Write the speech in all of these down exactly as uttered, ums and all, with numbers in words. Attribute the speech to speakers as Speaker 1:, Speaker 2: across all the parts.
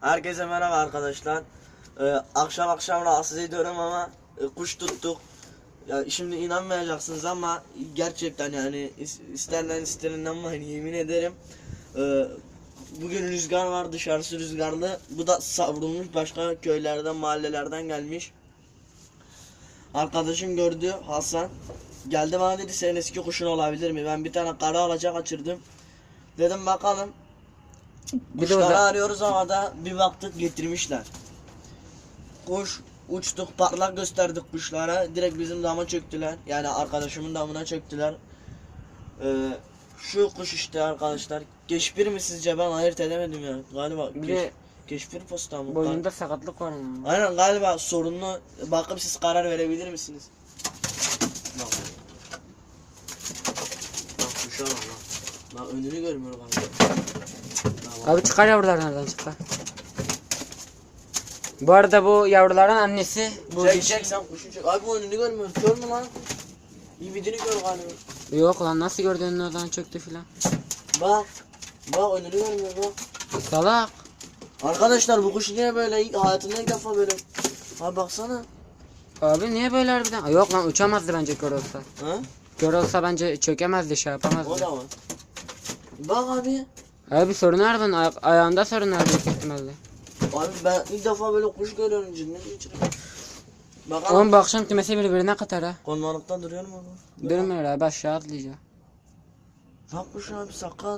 Speaker 1: Herkese merhaba arkadaşlar. Ee, akşam akşam rahatsız ediyorum ama e, kuş tuttuk. Ya şimdi inanmayacaksınız ama gerçekten yani is- isterler ister inanmayın, yemin ederim. Ee, bugün rüzgar var, dışarısı rüzgarlı. Bu da savrulmuş, başka köylerden, mahallelerden gelmiş. Arkadaşım gördü, Hasan. Geldi bana dedi, senin eski kuşun olabilir mi? Ben bir tane kara alaca kaçırdım. Dedim bakalım.
Speaker 2: Bir de
Speaker 1: Kuşları
Speaker 2: o da-
Speaker 1: arıyoruz ama da bir baktık getirmişler. Kuş uçtuk, parlak gösterdik kuşlara. Direkt bizim dama çöktüler. Yani arkadaşımın damına çöktüler. Ee, şu kuş işte arkadaşlar. Keşpir mi sizce, ben ayırt edemedim ya. Galiba
Speaker 2: Bir
Speaker 1: keş,
Speaker 2: de
Speaker 1: keşpir posta mı?
Speaker 2: boynunda sakatlık var mı?
Speaker 1: Aynen galiba sorunlu. Bakıp siz karar verebilir misiniz? Bak. Bak kuşa bak lan. Bak önünü görmüyor galiba. Bak, bak.
Speaker 2: Abi çıkar yavrular nereden çıkar? Bu arada bu yavruların annesi bu
Speaker 1: Çek
Speaker 2: diş-
Speaker 1: çek sen kuşu çek. Abi önünü görmüyor. Kör mü lan? İbidini gör galiba.
Speaker 2: Yok lan, nasıl gördün oradan çöktü filan.
Speaker 1: Bak. Bak önünü görmüyor bak.
Speaker 2: Salak.
Speaker 1: Arkadaşlar bu kuş niye böyle? İlk- Hayatımda ilk defa böyle. Abi baksana.
Speaker 2: Abi niye böyle harbiden? Aa, yok lan, uçamazdı bence kör olsa.
Speaker 1: Ha?
Speaker 2: Kör olsa bence çökemezdi, şey
Speaker 1: O
Speaker 2: yapamazdı.
Speaker 1: da var. Bak abi.
Speaker 2: Abi sorun var bunun, aya- ayağında sorun var büyük ihtimalle.
Speaker 1: Abi ben ilk defa böyle kuş görüyorum, cidden geçireyim. Bakalım.
Speaker 2: Oğlum bu akşam kümesi birbirine katar ha.
Speaker 1: Konmalıkta duruyor mu bu?
Speaker 2: Durmuyor abi, aşağı atlayacak.
Speaker 1: Bak kuş abi sakat.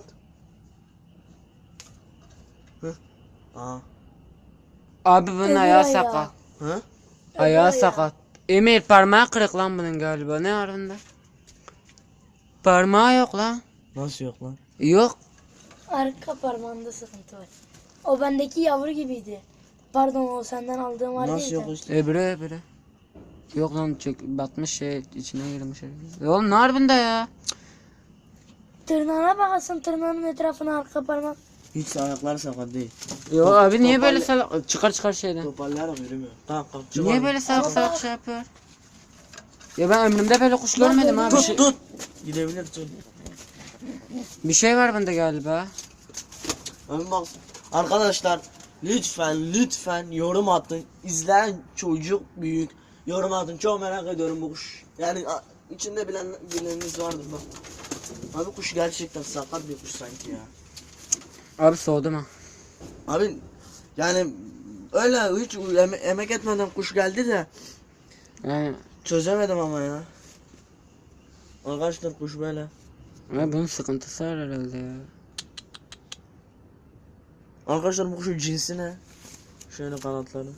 Speaker 1: Hı. Aa.
Speaker 2: Abi bunun
Speaker 3: Öbür
Speaker 2: ayağı
Speaker 3: ayağı.
Speaker 2: sakat.
Speaker 1: Hı?
Speaker 2: Ayağı
Speaker 3: ayağı.
Speaker 2: sakat. Emir parmağı kırık lan bunun galiba, ne var bunda? Parmağı yok lan.
Speaker 1: Nasıl yok lan?
Speaker 2: Yok.
Speaker 3: Arka parmağında sıkıntı var. O bendeki yavru gibiydi. Pardon, o senden aldığım vardı
Speaker 1: Nasıl
Speaker 3: ya.
Speaker 1: yok işte?
Speaker 2: Öbürü öbürü. Yok lan, çök, batmış şey içine girmiş. Ya oğlum ne var bunda ya?
Speaker 3: Tırnağına bakasın, tırnağının etrafına arka parmak.
Speaker 1: Hiç ayakları sakat değil.
Speaker 2: Yo
Speaker 1: Top-
Speaker 2: abi niye böyle
Speaker 1: toparla-
Speaker 2: salak? Çıkar çıkar şeyden.
Speaker 1: Toparlayarak yürümüyor. Tamam kalk.
Speaker 2: Niye böyle salak salak şey yapıyor? Ya ben ömrümde böyle kuş görmedim abi. Bir şey,
Speaker 1: Tut tut. Gidebilir tut.
Speaker 2: bir şey var bunda galiba.
Speaker 1: Abi bak. Arkadaşlar lütfen lütfen yorum atın. İzleyen çocuk büyük. Yorum atın. Çok merak ediyorum bu kuş. Yani a- içinde bilen bileniniz vardır bak. Abi kuş gerçekten sakat bir kuş sanki ya.
Speaker 2: Abi soğudum ha.
Speaker 1: Abi yani öyle hiç eme- emek etmeden kuş geldi de
Speaker 2: Yani
Speaker 1: çözemedim ama ya. Arkadaşlar kuş böyle.
Speaker 2: abi bunun sıkıntısı var herhalde ya.
Speaker 1: Arkadaşlar bu kuşun cinsi ne? Şöyle kanatları.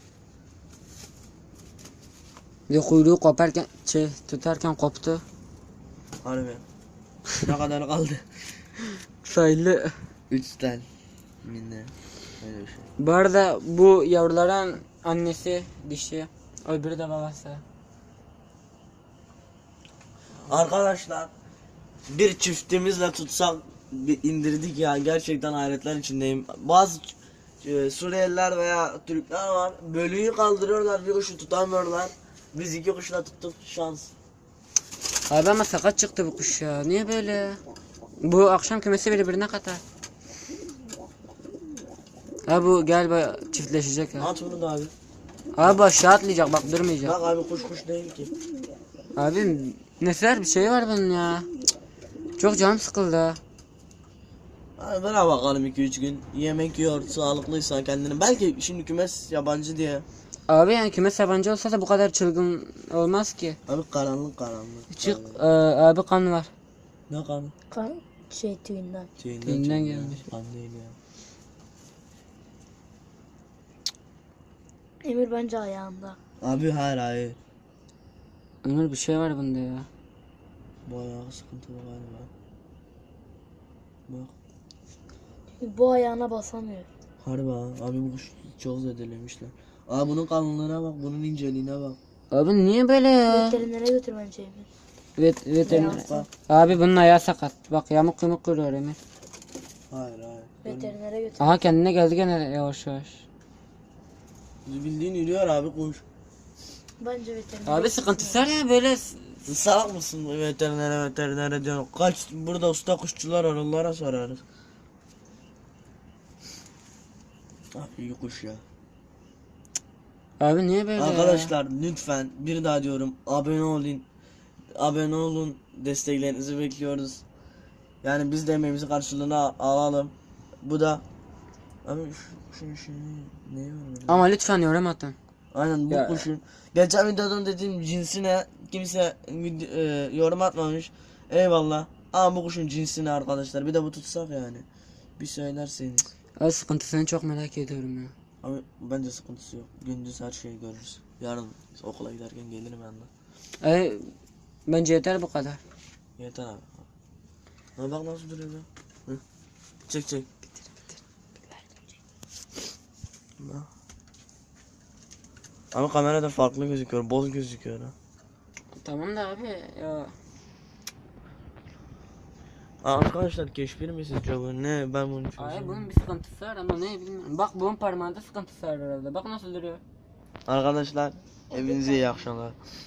Speaker 2: Bir kuyruğu koparken şey tutarken koptu.
Speaker 1: Harbi. Ne kadar kaldı?
Speaker 2: Sayılı.
Speaker 1: Üçten. Minne. Öyle bir şey.
Speaker 2: Bu arada bu yavruların annesi dişi. Öbürü de babası.
Speaker 1: Arkadaşlar bir çiftimizle tutsak bir indirdik ya, gerçekten hayretler içindeyim. Bazı e, Suriyeliler veya Türkler var, bölüyü kaldırıyorlar, bir kuşu tutamıyorlar. Biz iki kuşla tuttuk, şans.
Speaker 2: Abi ama sakat çıktı bu kuş ya. Niye böyle? Bu akşam kümesi birbirine katar. Ha bu galiba çiftleşecek ha.
Speaker 1: At bunu da abi.
Speaker 2: Abi aşağı atlayacak, bak durmayacak.
Speaker 1: Bak abi kuş kuş değil ki.
Speaker 2: Abi nefer bir şey var bunun ya. Cık. Çok canım sıkıldı ha.
Speaker 1: Abi bana bakalım iki üç gün. Yemek yiyor, sağlıklıysa kendini. Belki şimdi kümes yabancı diye.
Speaker 2: Abi yani kümes yabancı olsa da bu kadar çılgın olmaz ki.
Speaker 1: Abi karanlık karanlık.
Speaker 2: Çık e, abi kan var.
Speaker 1: Ne kanı?
Speaker 3: Kan şey tüyünden.
Speaker 1: Tüyünden
Speaker 2: Tüyünden
Speaker 1: çıkıyor.
Speaker 2: gelmiş.
Speaker 1: Kan değil ya.
Speaker 3: Emir bence ayağında.
Speaker 1: Abi hayır hayır.
Speaker 2: Ömür bir şey var bunda ya.
Speaker 1: Bu ayağı sıkıntılı galiba. Bak.
Speaker 3: Bu ayağına basamıyor.
Speaker 1: Harbi ha. Abi bu kuş çok zedelemişler. Abi bunun kalınlığına bak, bunun inceliğine bak.
Speaker 2: Abi niye böyle ya?
Speaker 3: Veterinere götür bence Emir.
Speaker 2: Vet, veteriner.
Speaker 1: Bak.
Speaker 2: Abi bunun ayağı sakat. Bak yamuk yumuk kırıyor Emir.
Speaker 1: Hayır hayır.
Speaker 3: Veterinere götür.
Speaker 2: Aha kendine geldi gene yavaş yavaş.
Speaker 1: Bildiğin yürüyor abi kuş.
Speaker 3: Bence veterinere
Speaker 2: Abi sıkıntısı var ya böyle.
Speaker 1: Salak mısın bu veterinere veterinere diyorsun. Kaç burada usta kuşçular var, onlara sorarız. Ah, iyi kuş ya.
Speaker 2: Abi niye böyle ya?
Speaker 1: Arkadaşlar lütfen bir daha diyorum abone olun. Abone olun. Desteklerinizi bekliyoruz. Yani biz de emeğimizi karşılığını al- alalım. Bu da abi şu kuşun işini neye var?
Speaker 2: Ama lütfen yorum atın.
Speaker 1: Aynen bu
Speaker 2: Ya.
Speaker 1: kuşun. Geçen videodan dediğim cinsine kimse vid- e, yorum atmamış. Eyvallah. Ama bu kuşun cinsine arkadaşlar. Bir de bu tutsak yani. Bir söylerseniz.
Speaker 2: Abi sıkıntısını çok merak ediyorum ya.
Speaker 1: Ama bence sıkıntısı yok. Gündüz her şeyi görürüz. Yarın okula giderken gelirim yanına.
Speaker 2: E, bence yeter bu kadar.
Speaker 1: Yeter abi. Ha bak nasıl duruyor lan. Hı. Çek çek. Bak. Ama kamerada farklı gözüküyor. Boz gözüküyor ha.
Speaker 2: Tamam da abi ya.
Speaker 1: Aa, arkadaşlar keşfir mi sizce bu? Ne ben bunu
Speaker 2: Abi
Speaker 1: çözemiyorum.
Speaker 2: bunun bir sıkıntısı var ama ne bilmiyorum. Bak bunun parmağında sıkıntısı var herhalde. Bak nasıl duruyor.
Speaker 1: Arkadaşlar hepinize iyi akşamlar.